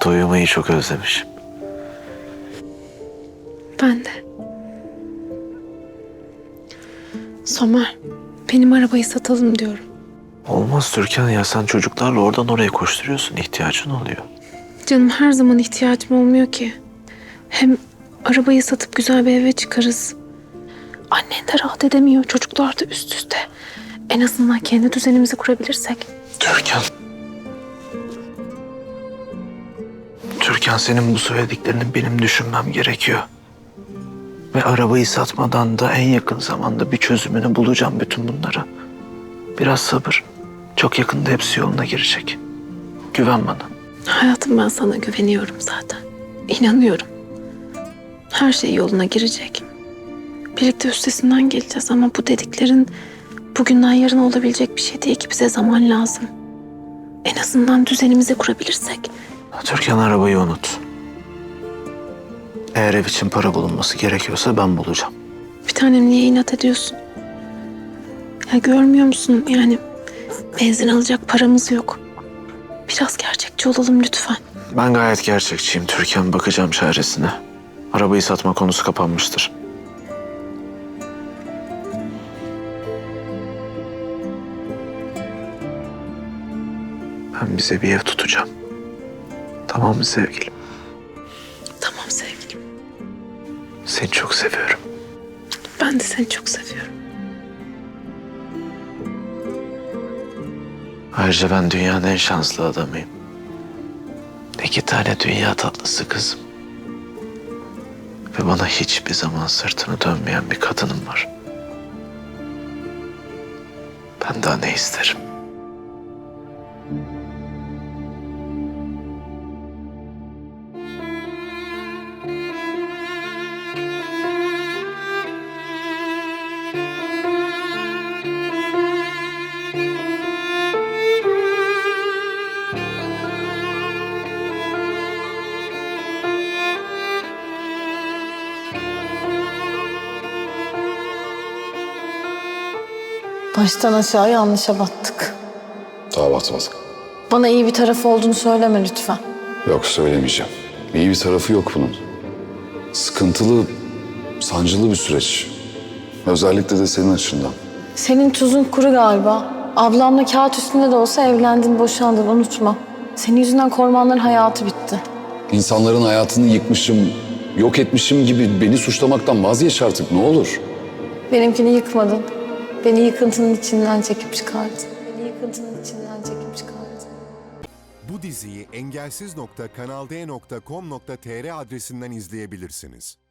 yatakta uyumayı çok özlemişim. Ben de. Somer, benim arabayı satalım diyorum. Olmaz Türkan ya, sen çocuklarla oradan oraya koşturuyorsun, ihtiyacın oluyor. Canım her zaman ihtiyacım olmuyor ki. Hem arabayı satıp güzel bir eve çıkarız. Annen de rahat edemiyor, çocuklar da üst üste. En azından kendi düzenimizi kurabilirsek. Türkan. Türkan, senin bu söylediklerini benim düşünmem gerekiyor. Ve arabayı satmadan da en yakın zamanda bir çözümünü bulacağım bütün bunlara. Biraz sabır. Çok yakında hepsi yoluna girecek. Güven bana. Hayatım, ben sana güveniyorum zaten. İnanıyorum. Her şey yoluna girecek. Birlikte üstesinden geleceğiz ama bu dediklerin bugünden yarına olabilecek bir şey değil ki, bize zaman lazım. En azından düzenimizi kurabilirsek. Türkan, arabayı unut. Eğer ev için para bulunması gerekiyorsa ben bulacağım. Bir tanem, niye inat ediyorsun? Ya görmüyor musun, yani benzin alacak paramız yok. Biraz gerçekçi olalım lütfen. Ben gayet gerçekçiyim Türkan. Bakacağım çaresine. Arabayı satma konusu kapanmıştır. Ben bize bir ev tutacağım. Tamam mı sevgilim? Tamam sevgilim. Seni çok seviyorum. Ben de seni çok seviyorum. Ayrıca ben dünyanın en şanslı adamıyım. 2 tane dünya tatlısı kızım. Ve bana hiçbir zaman sırtını dönmeyen bir kadınım var. Ben daha ne isterim? Baştan aşağı yanlışa battık. Daha batmadık. Bana iyi bir tarafı olduğunu söyleme lütfen. Yok, söylemeyeceğim. İyi bir tarafı yok bunun. Sıkıntılı, sancılı bir süreç. Özellikle de senin açından. Senin tuzun kuru galiba. Ablamla kağıt üstünde de olsa evlendin, boşandın, unutma. Senin yüzünden Kormanların hayatı bitti. İnsanların hayatını yıkmışım, yok etmişim gibi beni suçlamaktan vazgeç artık, ne olur. Benimkini yıkmadın. Beni yıkıntının içinden çekip çıkardın. Beni yıkıntının içinden çekip çıkardın. Bu diziyi engelsiz.kanalde.com.tr adresinden izleyebilirsiniz.